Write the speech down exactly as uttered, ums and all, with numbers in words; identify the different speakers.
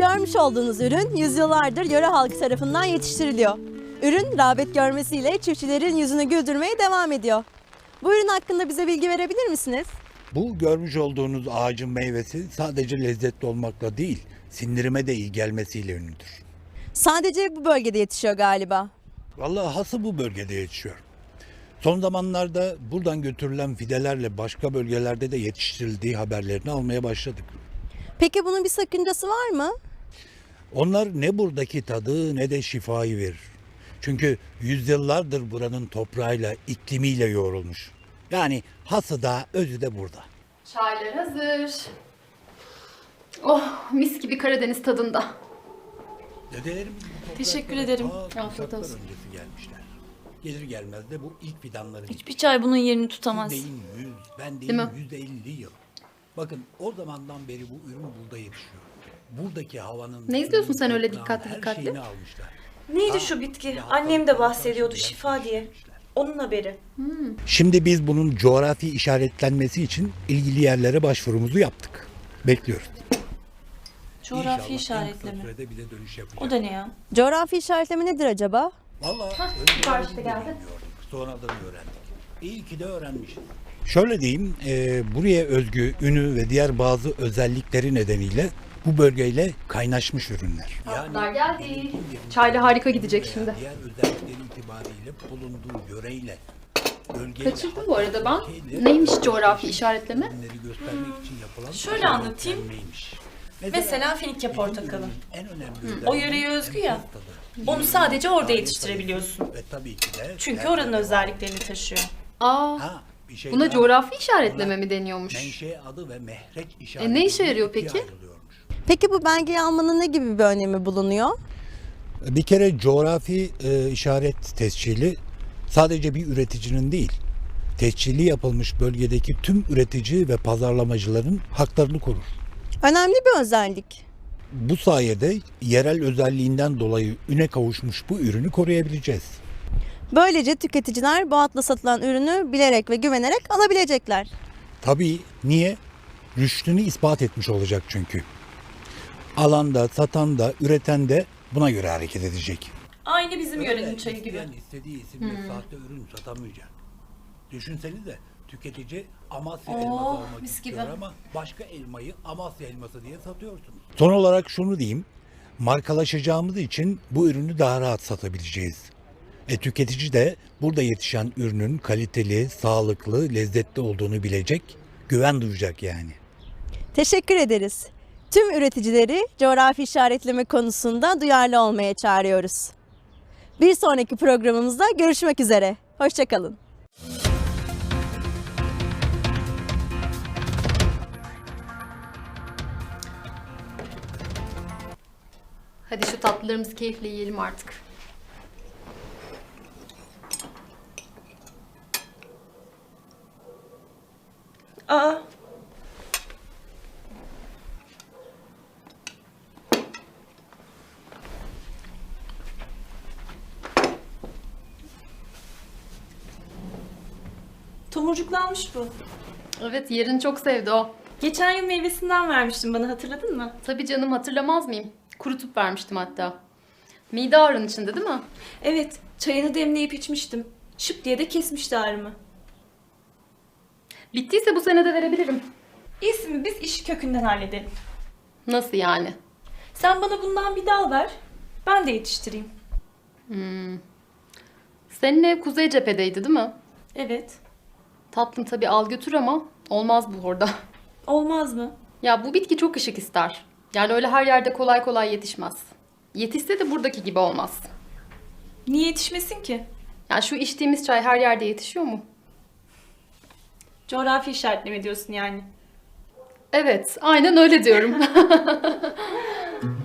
Speaker 1: görmüş olduğunuz ürün yüzyıllardır yöre halkı tarafından yetiştiriliyor. Ürün rağbet görmesiyle çiftçilerin yüzünü güldürmeye devam ediyor. Bu ürün hakkında bize bilgi verebilir misiniz?
Speaker 2: Bu görmüş olduğunuz ağacın meyvesi sadece lezzetli olmakla değil, sindirime de iyi gelmesiyle ünlüdür.
Speaker 1: Sadece bu bölgede yetişiyor galiba.
Speaker 2: Vallahi hası bu bölgede yetişiyor. Son zamanlarda buradan götürülen fidelerle başka bölgelerde de yetiştirildiği haberlerini almaya başladık.
Speaker 1: Peki bunun bir sakıncası var mı?
Speaker 2: Onlar ne buradaki tadı ne de şifayı verir. Çünkü yüzyıllardır buranın toprağıyla, iklimiyle yoğrulmuş. Yani hası da özü de burada.
Speaker 3: Çaylar hazır. Oh, mis gibi Karadeniz tadında.
Speaker 2: Dedelerim
Speaker 4: Teşekkür ederim.
Speaker 3: Afiyet olsun.
Speaker 2: öncesi gelmişler. Gelir gelmez de bu ilk fidanları
Speaker 4: Hiçbir çay bunun yerini tutamaz.
Speaker 2: deyin yüz, ben
Speaker 3: Değil mi?
Speaker 2: deyin yüz elli yıl. Bakın o zamandan beri bu ürün burada yetişiyor. Buradaki havanın...
Speaker 3: Ne izliyorsun sen öyle
Speaker 2: toprağın
Speaker 3: dikkatli
Speaker 2: her
Speaker 3: dikkatli?
Speaker 2: şeyini almışlar.
Speaker 4: Neydi şu bitki? Annem de bahsediyordu şifa diye. Onun haberi.
Speaker 2: Şimdi biz bunun coğrafi işaretlenmesi için ilgili yerlere başvurumuzu yaptık. Bekliyoruz.
Speaker 4: Coğrafi
Speaker 2: İnşallah en kısa
Speaker 4: işaretleme.
Speaker 2: sürede bize dönüş yapacak.
Speaker 4: O da ne ya?
Speaker 1: Coğrafi işaretleme nedir acaba?
Speaker 2: Vallahi
Speaker 3: sipariş de
Speaker 2: önceden
Speaker 3: geldi.
Speaker 2: bilmiyorduk. Sonradan öğrendik. İyi ki de öğrenmişiz. Şöyle diyeyim, e, buraya özgü ünü ve diğer bazı özellikleri nedeniyle bu bölgeyle kaynaşmış ürünler.
Speaker 3: Tatlılar geldi.
Speaker 2: yönetim
Speaker 3: Çayla harika gidecek
Speaker 2: veya
Speaker 3: şimdi.
Speaker 2: Diğer özellikleri itibariyle bulunduğu yöreyle, bölgeyle,
Speaker 3: Kaçırdım bu arada ben.
Speaker 2: ülkeyle,
Speaker 3: Neymiş coğrafi işaretleme?
Speaker 2: ürünleri göstermek için yapılan
Speaker 4: Şöyle anlatayım.
Speaker 2: işaretlenmeymiş.
Speaker 4: Mesela Finike
Speaker 2: bizim
Speaker 4: portakalı.
Speaker 2: ürünün en önemli
Speaker 4: O
Speaker 2: özelliği
Speaker 4: yöreye özgü ya.
Speaker 2: enfes tadı.
Speaker 4: Onu sadece orada yetiştirebiliyorsun.
Speaker 2: Ve tabii ki de
Speaker 4: Çünkü oranın özelliklerini taşıyor.
Speaker 3: Aa,
Speaker 2: Ha, bir şey
Speaker 3: buna
Speaker 2: daha.
Speaker 3: coğrafi işaretleme mi deniyormuş?
Speaker 2: Menşe adı ve mehreç
Speaker 3: E,
Speaker 2: işareti.
Speaker 3: ne işe yarıyor
Speaker 2: ikiye
Speaker 3: peki?
Speaker 2: ayrılıyormuş.
Speaker 1: Peki bu belgeyi almanın ne gibi bir önemi bulunuyor?
Speaker 2: Bir kere coğrafi e, işaret tescili sadece bir üreticinin değil, tescili yapılmış bölgedeki tüm üretici ve pazarlamacıların haklarını korur.
Speaker 1: Önemli bir özellik.
Speaker 2: Bu sayede yerel özelliğinden dolayı üne kavuşmuş bu ürünü koruyabileceğiz.
Speaker 1: Böylece tüketiciler bu adla satılan ürünü bilerek ve güvenerek alabilecekler.
Speaker 2: Tabii niye? Rüştünü ispat etmiş olacak çünkü. Alan da, satan da, üreten de buna göre hareket edecek.
Speaker 4: Aynı bizim yörenin çayı gibi.
Speaker 2: İsteyen istediği isimle sahte ürün satamayacak. Düşünsenize tüketici Amasya
Speaker 4: Oo,
Speaker 2: elması almak
Speaker 4: mis
Speaker 2: istiyor
Speaker 4: gibi.
Speaker 2: ama başka elmayı Amasya elması diye satıyorsunuz. Son olarak şunu diyeyim. Markalaşacağımız için bu ürünü daha rahat satabileceğiz. E, tüketici de burada yetişen ürünün kaliteli, sağlıklı, lezzetli olduğunu bilecek, güven duyacak yani.
Speaker 1: Teşekkür ederiz. Tüm üreticileri coğrafi işaretleme konusunda duyarlı olmaya çağırıyoruz. Bir sonraki programımızda görüşmek üzere. Hoşçakalın.
Speaker 3: Hadi şu tatlılarımızı keyifle yiyelim artık.
Speaker 4: Aa, tomurcuklanmış bu.
Speaker 3: Evet, yerini çok sevdi o.
Speaker 4: Geçen yıl meyvesinden vermiştin bana, hatırladın mı?
Speaker 3: Tabii canım, hatırlamaz mıyım? Kurutup vermiştim hatta. Mide ağrın içinde değil mi?
Speaker 4: Evet, çayını demleyip içmiştim. Şıp diye de kesmişti ağrımı.
Speaker 3: Bittiyse bu sene de verebilirim.
Speaker 4: İyisi mi, biz işi kökünden halledelim.
Speaker 3: Nasıl yani?
Speaker 4: Sen bana bundan bir dal ver, ben de yetiştireyim.
Speaker 3: Senin ev kuzey cephedeydi değil mi?
Speaker 4: Evet.
Speaker 3: Tatlım tabii al götür ama olmaz bu orada.
Speaker 4: Olmaz mı?
Speaker 3: Ya bu bitki çok ışık ister. Yani öyle her yerde kolay kolay yetişmez. Yetişse de buradaki gibi olmaz.
Speaker 4: Niye yetişmesin ki?
Speaker 3: Yani şu içtiğimiz çay her yerde yetişiyor mu?
Speaker 4: Coğrafi işaretleme diyorsun yani.
Speaker 3: Evet, aynen öyle diyorum.